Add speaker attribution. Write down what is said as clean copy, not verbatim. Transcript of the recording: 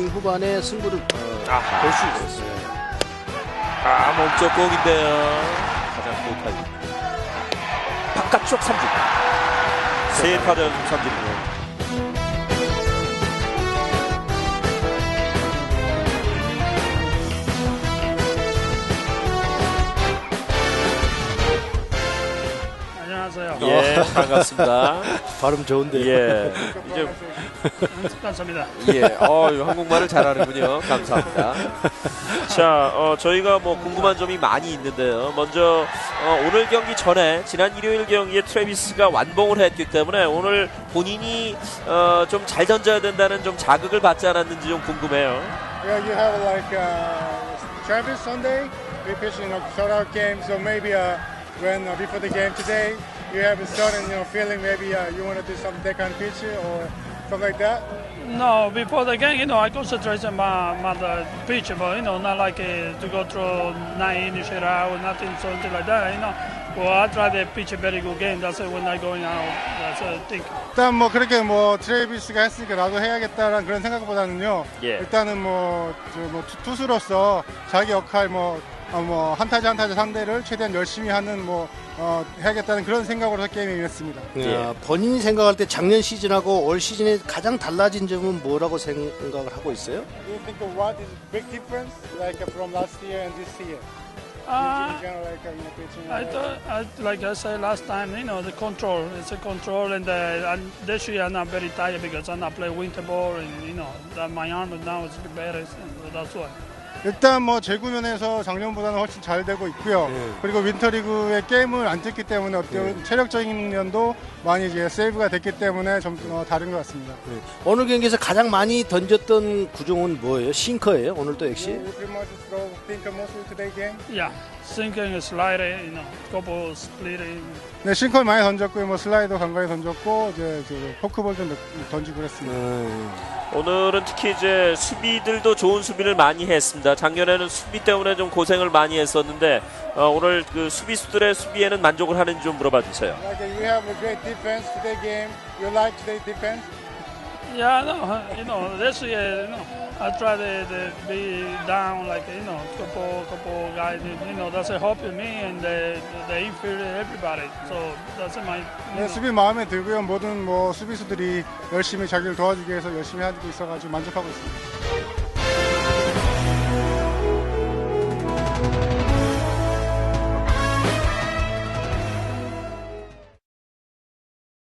Speaker 1: 후반에 승부를 볼 수 있었어요.
Speaker 2: 몸쪽 공인데요. 가장 고타임. 바깥쪽 삼진. 세 타자 연속 삼진이네요.
Speaker 3: 안녕하세요.
Speaker 2: 예, 반갑습니다.
Speaker 1: 발음 좋은데요.
Speaker 2: 예, 이제
Speaker 3: 감사합니다.
Speaker 2: 예, 한국말을 잘하는군요. 감사합니다. 자, 저희가 뭐 궁금한 점이 많이 있는데요. 먼저 오늘 경기 전에 지난 일요일 경기에 트래비스가 완봉을 했기 때문에 오늘 본인이 좀 잘 던져야 된다는 좀 자극을 받지 않았는지 좀 궁금해요.
Speaker 4: Yeah, you have like Travis Sunday. We pitching a shutout game, so maybe when before the game today, you have a certain feeling. Maybe you want to do some deckhand pitch or something like that.
Speaker 3: No, before the game, I concentrate on my the pitch, but not like to go through 9 innings out, nothing something like that. Well, I try to pitch a very good game. That's when I going out. That's I think.
Speaker 4: 일단 뭐 그렇게 트레이비스가 했으니까 나도 해야겠다라는 그런 생각보다는요.
Speaker 2: 예.
Speaker 4: 일단은 투수로서 자기 역할 한 타자 한 타자 상대를 최대한 열심히 하는 해야겠다는 그런 생각으로 게임에 임했습니다.
Speaker 1: 본인이 생각할 때 작년 시즌하고 올 시즌에 가장 달라진 점은 뭐라고 생각을 하고 있어요?
Speaker 4: Do you think of what is big difference like from last year and this year? In general, pitching.
Speaker 3: I thought, like I said last time, the control. It's a control, and this year I'm not very tired because I'm not playing winter ball, and that my arm now is better. So that's why.
Speaker 4: 일단 재구면에서 작년보다는 훨씬 잘 되고 있고요. 그리고 윈터리그의 게임을 안 뛰기 때문에 어떤 체력적인 면도 많이 이제 세이브가 됐기 때문에 좀 다른 것 같습니다.
Speaker 1: 오늘 경기에서 가장 많이 던졌던 구종은 뭐예요? 싱커예요? 오늘도 역시?
Speaker 4: You pretty much throw thinker mostly today game.
Speaker 3: Yeah, sinking, slider, couple splitting.
Speaker 4: 네, 싱커를 많이 던졌고요. 슬라이더 간간히 던졌고 이제 포크볼 좀 던지고 그랬습니다.
Speaker 2: 오늘은 특히 이제 수비들도 좋은 수비를 많이 했습니다. 작년에는 수비 때문에 좀 고생을 많이 했었는데 오늘 그 수비수들의 수비에는 만족을 하는지 좀 물어봐 주세요.
Speaker 4: Like you have a great defense today game. You like today defense?
Speaker 3: Yeah, no, this year, I try to be down like couple guys, that's helping me and the infield everybody. So that's my.
Speaker 4: 네, 수비 마음에 들고요. 모든 수비수들이 열심히 자기를 도와주기 위해서 열심히 하고 있어가지고 만족하고 있습니다.